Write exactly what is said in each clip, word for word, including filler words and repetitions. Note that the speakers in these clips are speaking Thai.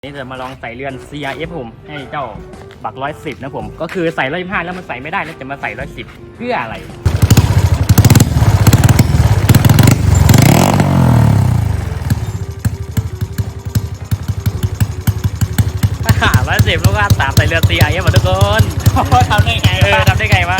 นี่จะมาลองใส่เรือน ซี อาร์ เอฟ ผมให้เจ้าบักร้อยสิบนะผมก็คือใส่ร้อยยี่สิบห้าแล้วมันใส่ไม่ได้แล้วจะมาใส่ร้อยสิบเพื่ออะไรร้อยสิบลูกค้าสามใส่เรือน ซี อาร์ เอฟ หมดทุกคนทำได้ไงเออทำได้ไงวะ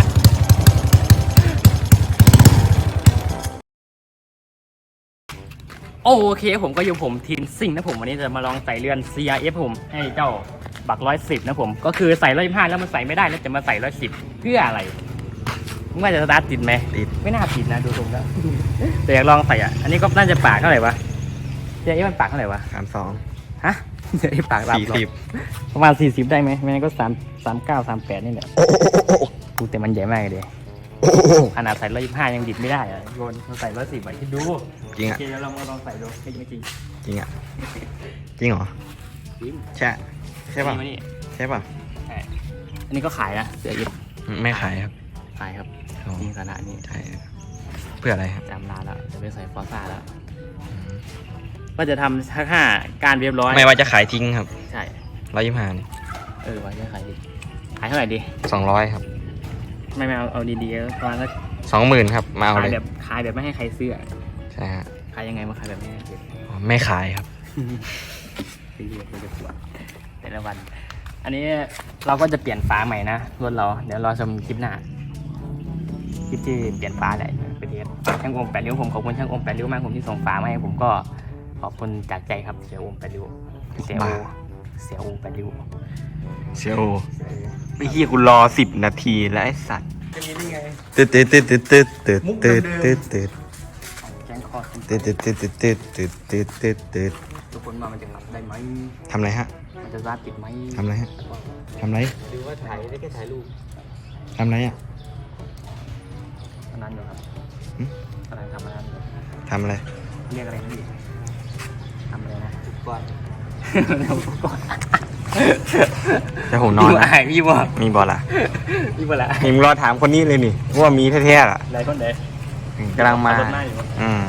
โอเคผมก็อยู่ผมทีมซิ่งนะผมวันนี้จะมาลองใส่เรือน ซี อาร์ เอฟ ผมให้เจ้าบักร้อยสิบนะผมก็คือใส่ร้อยยี่สิบห้าแล้วมันใส่ไม่ได้แล้วจะมาใส่ร้อยสิบเพื่ออะไรมึงว่าจะสตาร์ทติดไหมติดไม่น่าติดนะดูตรงแล้วแต่อยากลองใส่อ่ะอันนี้ก็น่าจะปากเท่าไหร่วะเจ๊มันปากเท่าไหร่วะสามสองฮะเจ๊ปากสี่สิบประมาณสี่สิบได้ไหมไม่งั้นก็สามสามเก้าสามแปดนี่แหละกูแต่มันใหญ่มากเลยขนาดใส่ร้อยยี่สิบห้ายังดิบไม่ได้อ่ะโยนเราใส่ร้อยสิบไปคิดดูจริงอ่ะโอเคแล้วเรามาลองใส่ดูจริงไม่จริงจริงอ่ะจริงเหรอใช่ใช่ป่ะใช่ป่ะใช่อันนี้ก็ขายนะเสือยิบไม่ขายครับขายครับจริงขนาดนี้ใช่เพื่ออะไรครับจำร้านแล้วจะไปใส่ฟอร์ซ่าแล้วก็จะทำทั้งห้าการเรียบร้อยไม่ว่าจะขายทิ้งครับใช่ร้อยยี่สิบห้านี่เออว่าจะขายดิขายเท่าไหร่ดีสองร้อยครับไม่ไม่เอาเอาดีๆประมาณสักสองหมื่นครับมาเอาเลยขายแบบขายแบบไม่ให้ใครซื้อใช่ฮะขายยังไงมาขายแบบไม่ให้ซื้อไม่ขายครับซื้อเยอะเลยปวดแต่ละวันอันนี้เราก็จะเปลี่ยนฝาใหม่นะรถเราเดี๋ยวรอชมคลิปหน้าคลิปที่เปลี่ยนฝาแหละไปเทสช่างโอมแปดริ้วผมขอบคุณช่างโอมแปดริ้วมากผมที่ส่งฝามาให้ผมก็ขอบคุณจากใจครับเสียโอมแปดริ้วเสียโอเสียโอแปดริ้วเสียโอไม่ขี้คุณรอสิบนาทีแล้วไอ้สัตว์ตืดตืดตืดตืดตืดตืดตืดตืดตืดตืดตืดตืดตืดตืดตืดตืดตืดตืดทุกคนมามันจะได้ไหมทำอะไรฮะมันจะราดติดไหมทำอะไรฮะทำอะไรหรือว่าถ่ายได้แค่ถ่ายรูปทำอะไรอ่ะอันนั้นอยู่ครับกำลังทำอันนั้นทำอะไรเรียกอะไรนี่ทำอะไรนะทุกก้อนทุกก้อนจะผมนอนนะพี่บ่มีบอลล่ะพี่บ่ละมีมึงรอถามคนนี้เลยนี่ว่ามีแท้ๆอ่ะไหนคนไหนกำลังมาอืม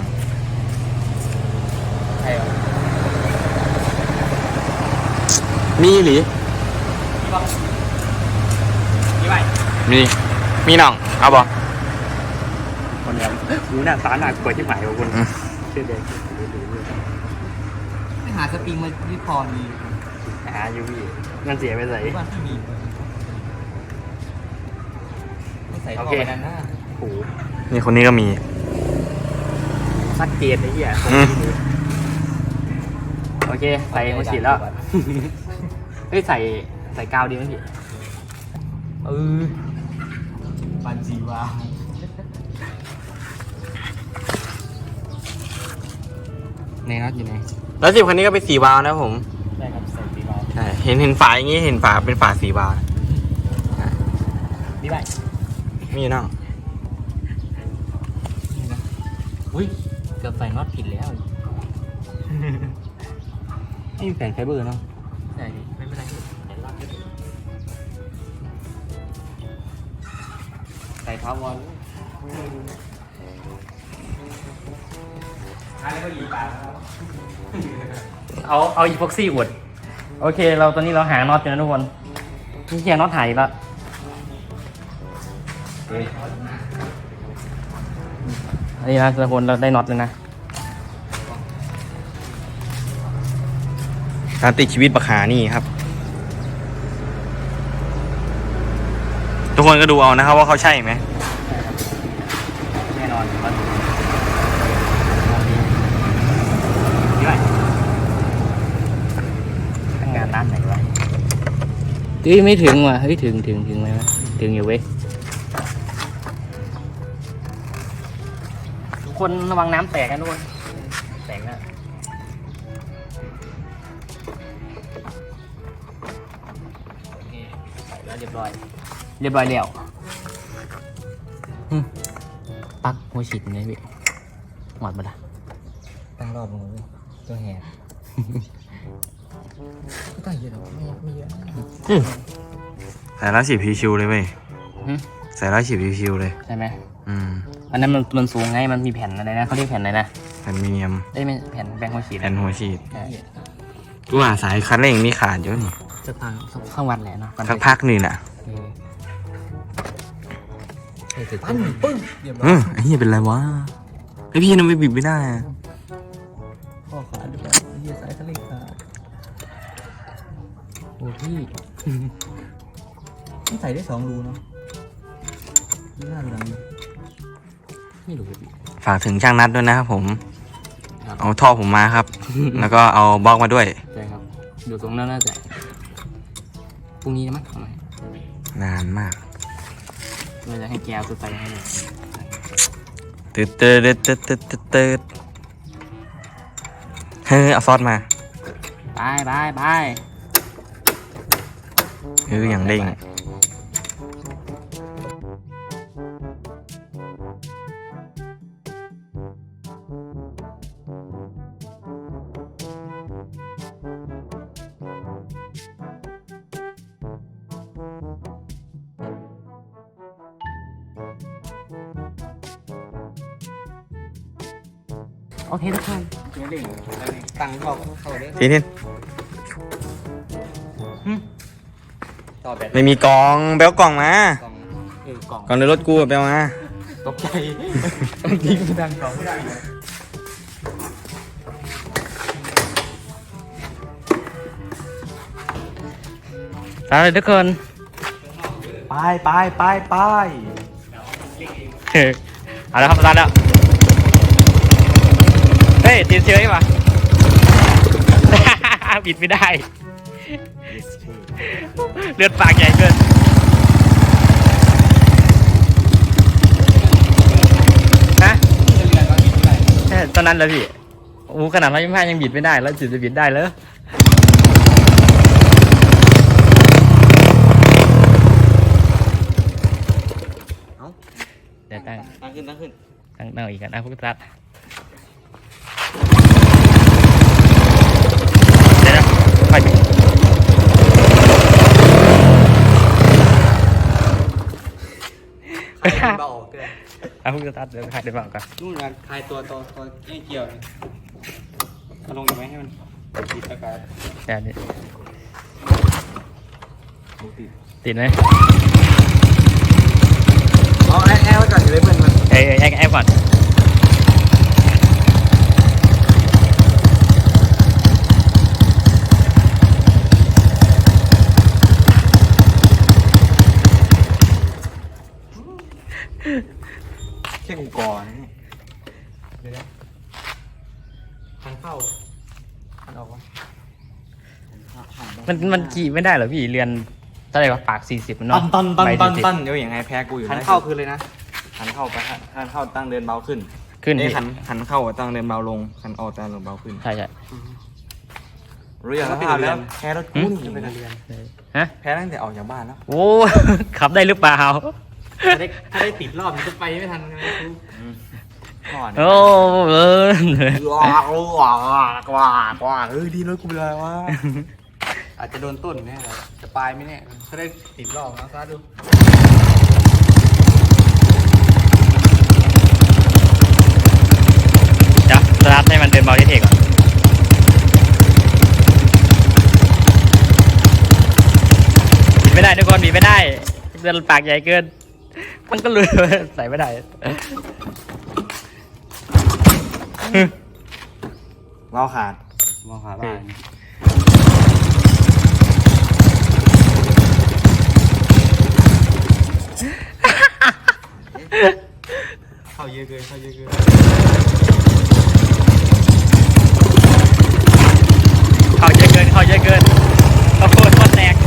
ใช่เหรอมีหรือมีไหมมีมีน้องเอาบ่คนเดียวหูหน้าตาหน้ากลัวที่หมายของคุณเชื่อเด็กไม่หาสปริงมาที่พอมีหาอยู่พี่นั่นเสียไปใส่ว่าที่มีไม่ใส่ท่อกันนะโอ้นี่คนนี้ก็มีสักเกตไอ้เหี้ยโอเคใส่หัวฉีดแล้วเฮ้ยใส่ใส่กาวดีไหมพี่เออปันจีวาในน็อตอยู่ไหนแล้วสิบคันนี้ก็เป็นสีวาล์วนะผมใช่ครับใส่สีวาล์วใช่เห็นเห็นฝาอย่างงี้เห็นฝาเป็นฝาสีวาล์วมีไหมมีน้องอุ้ยเกือบใส่น็อตผิดแล้วนี่แผ่นไฟเบอร์เนาะใช่ไม่เป็นไรใส่น็อตใส่ทาวอนอะไรก็ยีปาเอาเอาอีพ็อกซี่อุดโอเคเราตอนนี้เราหาน็อตอยู่นะทุกคนนี่แค่น็อตหายแล้วอันนี้นะทุกคนเราได้น็อตเลยนะการติดชีวิตบักหานี่ครับทุกคนก็ดูเอานะครับว่าเขาใช่ไหมแน่นอนครับนี่ไรทำงานร้านไหนวะเฮ้ยไม่ถึงว่ะเฮ้ยถึงถึงถึงไหมวะถึงอยู่เว้ยทุกคนระวังน้ำแตกกันทุกคนแตกนะเรียบร้อยเรียบร้อยแล้วปักหัวฉีดเลยพี่หมดมาละตั้งรอบลงเลยตัวแหกไม่ต้องเยอะหรอกไม่ไม่เยอะใส่แล้วฉีดพีชิวเลยเว้ยใส่แล้วฉีดพีชิวเลยใช่ไหมอืมอันนั้นมันมันสูงไงมันมีแผ่นอะไรนะเขาเรียกแผ่นอะไรนะแผ่นมีเนียมได้ไหมแผ่นแบงหัวฉีดแผ่นหัวฉีดว่าสายคันเร่งมีขาดเยอะนี่จะพังข้างวันแหละเนาะสักพักหนึ่งน่ะเออปั้นปึ้งเรียบร้อเอย อไอ้เหี้ยเป็นไรวะไอพี่นั่นไม่บิดไม่ได้อะข้อขาดด้วยเฮียสายคันเร่งขาดโอ้พี่ต้องใส่ได้สองรูเนาะนี่น่าหลังไม่รู้พี่ฝากถึงช่างนัดด้วยนะครับผมครับเอาท่อผมมาครับ แล้วก็เอาบล็อกมาด้วยใช่ครับอยู่ตรงนั้นน่าจะพรุ่งนี้นะมั้งทำไมนานมากเราจะให้แกเอาตัวไปให้เลยตืดตืดตืดตืดตืดตืดเฮ้ยเอาซอสมาไปไปไปเอออย่างเด้งโอเคทุกคนเนี่ยเร่งตังค์บอกเข้าเลยทีนี้ต่อแบบไม่มีกล่องไปเอากล่องมากล่องเออกล่องกล่องในรถกูอะไปเอามาตกใจยิงดังกล่องไม่ได้เลยสวัสดีทุกคนไปไปไปไปเออเอาแล้วครับสตาร์ทแล้วเฮ้ยติดเชื้อป่ะ บิดไม่ได้ เลือดปากใหญ่เกินฮะใช่ตอนนั้นเลยพี่โอ้ขนาดร้อยยี่สิบห้ายังบิดไม่ได้แล้วจิตจะบิดได้เลยเดี๋ยวตั้งตั้งขึ้นตั้งขึ้นตั้งตั้งอีกกันนะพวกทัดเดี๋ยวนะไปดิคลายเบาออกเลยเอาพวกทัดเดี๋ยวใครเดี๋ยวบอกก่อนนู่นนะคลายตัวตัวตัวไอ้เกี่ยวนี่เอาลงอีกไหมให้มันติดอากาศเดี๋ยวนี้ติดติดไหมเอาแอร์แอร์ไว้ก่อนอยู่เลยเพื่อนมันเอ้ยแอคแอคก่อนแค่กูก่อนนี่เดี๋ยวนะทางเข้าทางออกวะมันมันขี่ไม่ได้เหรอพี่เรียนเท่าไหร่วะปากสี่สิบมันเนาะตันตันใบตันสี่สิบตันเดี๋ยวอย่างไงแพ้กูอยู่หันนะเข้าคือเลยนะหันเข้าไปหันเข้าตั้งเดินเบาขึ้นขึ้นเอ้ยพี่หันหันเข้าตั้งเดินเบาลงหันออกตั้งเดินเบาขึ้นใช่ใช่รู้อย่างภาพแล้วแพ้รถกูนี่ฮะแพ้ตั้งแต่ออกจากบ้านแล้วโอ้ ขับได้หรือเปล่าถ้าได้ถ้าได้ติดรอบมันจะไปไม่ทันใช่ไหมครูก่อนโอ้เออว้าวว้าวว้าวว้าวเฮ้ยดีรถกูเป็นไรวะอาจจะโดนต้นแน่เลยจะปลายไม่แน่ถ้าได้ติดรอบนะซะดูเดี๋ยวสตาร์ทให้มันเดินเบาเท่ๆก่อนบิดไม่ได้ทุกคนบิดไม่ได้เดินปากใหญ่เกิน มันก็เลยใส่ไม่ได้เบาขาดมองหาบ้านเข้าเยอะเกินเข้าเยอะเกินเขาเยอะเกินเขาเยอะเกินข้าวโพดโคตรแตก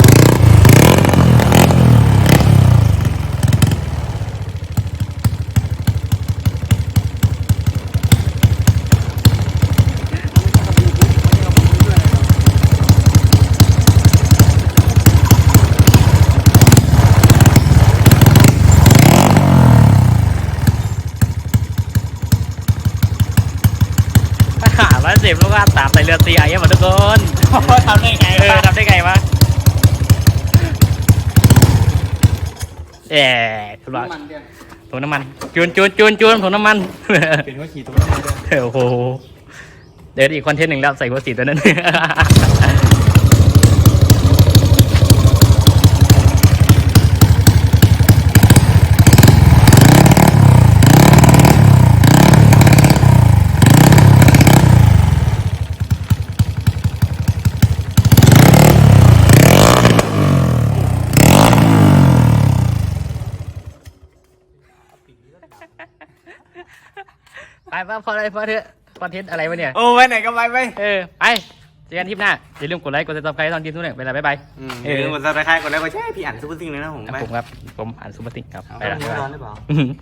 ร้อยสิบลูกว่าสามใส่เรือตีไอ้หมดทุกคนทำได้ไงเออทำได้ไงวะแย่คุณน้ำว่ามันเดียวถุงน้ำมันจูนจูนจูนจูนถุงน้ำมันเป็นว่าขี่ตรงนี้เลยโอ้โหเดี๋ยวอีกคอนเทนต์หนึ่งแล้วใส่หัวสีตัวนั้น ไปไปพอเลยพอเถอะคอนเทนต์อะไรวะเนี่ยโอ้ไปไหนก็ไปไปเออ ไปเจอกันทริปหน้า อย่าลืมกดไลค์ กดติดตามใครตอนทีมทุกเนี่ยไปแล้วบ๊ายบายเออหมดสับตะไคร้ก่อนแล้วก็ใช่พี่อ่านซุปเปอร์ซิงเลยนะผมครับไปผมครับ ผมอ่านซูเปอร์ติงครับเอาไปแล้วเนื้บ๊ายอร้บาอย นหรือเปล่าอื้อหือ